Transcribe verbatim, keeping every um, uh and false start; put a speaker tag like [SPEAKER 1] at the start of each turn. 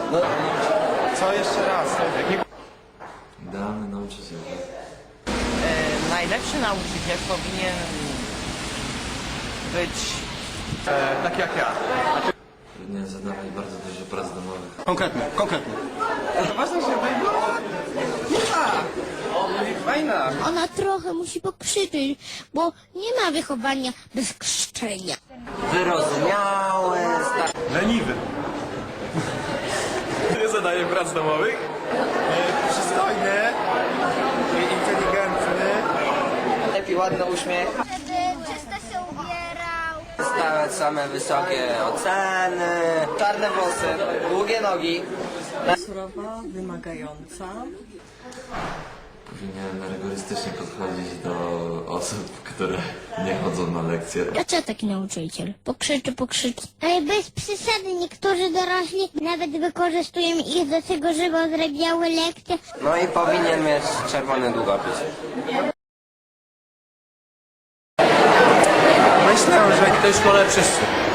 [SPEAKER 1] No, co jeszcze raz?
[SPEAKER 2] Idealny nauczyciel.
[SPEAKER 3] E, najlepszy nauczyciel powinien być
[SPEAKER 1] E, tak jak ja.
[SPEAKER 2] Powinien zadawać bardzo dużo prac domowych.
[SPEAKER 1] Konkretnie, konkretnie. To ważne, żeby było... Tak! Fajna!
[SPEAKER 4] Ona trochę musi pokrzyczeć, bo nie ma wychowania bez krzyczenia.
[SPEAKER 3] wyrozumiały,
[SPEAKER 1] Leniwy. Nie zadaje prac domowych? E, przystojny. I inteligentny.
[SPEAKER 3] lepiej ładny uśmiech,
[SPEAKER 4] Żeby czysto się ubierał.
[SPEAKER 3] stałe same wysokie oceny, czarne włosy, długie nogi.
[SPEAKER 5] Surowa, wymagająca.
[SPEAKER 2] Powinien rygorystycznie podchodzić do osób, które nie chodzą na lekcje.
[SPEAKER 4] Dlaczego taki nauczyciel? Pokrzyczy, pokrzyczy. Ale bez przesady, niektórzy dorośli nawet wykorzystują ich do tego, żeby odrabiały lekcje.
[SPEAKER 3] No i powinien mieć czerwony długopis.
[SPEAKER 1] Myślę, że w tej szkole wszyscy.